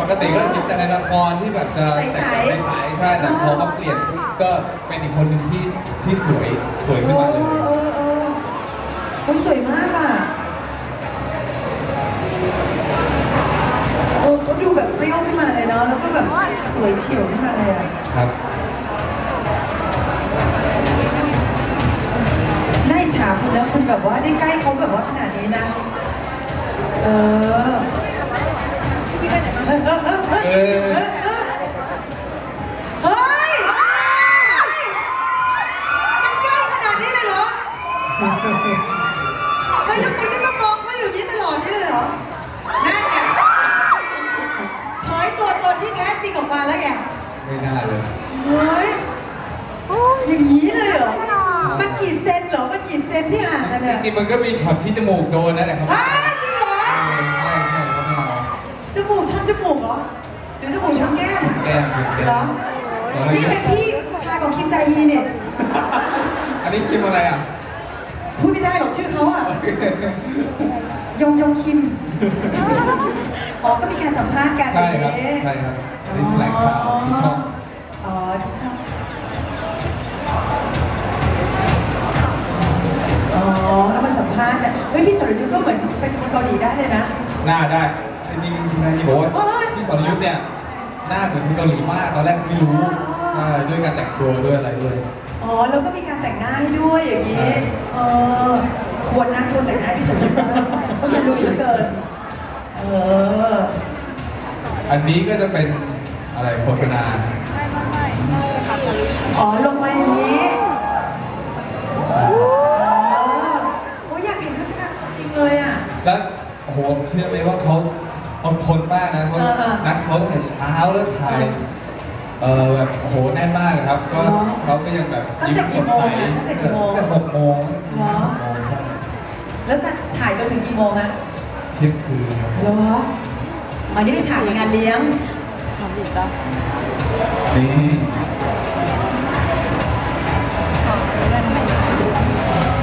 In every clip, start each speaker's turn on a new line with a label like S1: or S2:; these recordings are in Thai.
S1: กติก็เห็นแต่ในละครที่แบบจะแต่งใสๆใช่แต่พอเขาเปลี่ยนก็เป็นอีกคนหนึ่งที่สวยขึ้นมาเลย
S2: โอ้ยสวยมากอ่ะเขาดูแบบเปรี้ยวขึ้นมาเลยเนาะแล้วก็แบบสวยเฉียวขึ้นมาเลยอ่ะ
S1: ครับ
S2: น่าอิจฉาคุณนะคุณแบบว่าได้ใกล้เขาแบบว่าขนาดนี้นะเฮ้ยมันใกล้ขนาดนี้เลยเหรอเฮ้ยแล้วคุณก็ต้องมองเขาอยู่นี้ตลอดนี่เลยเหรอนั่นไงเผยตัวตนที่แท้จริงออกมาแล้วแก
S1: ไม่น่าเลย
S2: เฮ้ยอย่างนี้เลยเหรอมันกี่เซนเหรอมันกี่เซนที่ห่างกันเนี่ย
S1: จริงมันก็มีช็อตที่จมูกโดนนั่นแหละครับ
S2: จริงเหรอ
S1: ใช่เขาไม่เอา
S2: จมูกชนจมูกเหรอหรือจมูกชนแก้มเหรอนี่เป็นพี่ชายของคิมไจฮีเนี่ย
S1: อันนี้คิมอะไรอ่ะ
S2: พูดไม่ได้หรอกชื่อเขาอ่ะยงคิมก็มีการสัมภาษณ์กัน
S1: ใช่ครับใช่ครับนี่แถลงข่าวที่ช่อง
S2: ที่ช่องก็มาสัมภาษณ์แต่เฮ้ยพี่สรยุทธ์ก็เหมือนเป็นคนเกาหลีได้เลยนะ
S1: หน้าได้จริงๆนะที่บอกว่าพี่สรยุทธ์เนี่ยหน้าเหมือนคนเกาหลีมากตอนแรกไม่รู้ด้วยการแต่งตัวด้วยอะไรด้วย
S2: แล้วก็มีการแต่งหน้าให้ด้วยอย่างนี้ควรนะควรแต่งหน้าพี่สรยุทธ์เพราะมันลุยเหลือเกิน
S1: อันนี้ก็จะเป็นอะไรโฆษณา
S2: ลงมาอย่างนี้อยากเห็นโฆษณาจริงเลยอ่ะ
S1: แล้วโอ้โหเชื่อไหมว่าเขาอดทนมากนะเขานัดเขาตั้งแต่เช้าแล้วถ่ายแบบโอ้โหแน่นมากครับก็เขาก็ยังแบบยิ้มสดใส
S2: ตั้งแต่กี่โมง
S1: ตั้งแต่6 โมง
S2: แล้วจะถ่ายจนถึงกี่โมงนะ
S1: เที่ยงคืนครับ
S2: เหรออันนี้ไปฉากในงานเลี้ยง
S3: ทำดีจ้ะ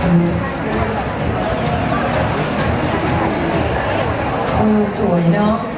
S1: นี่
S2: สวยเนาะ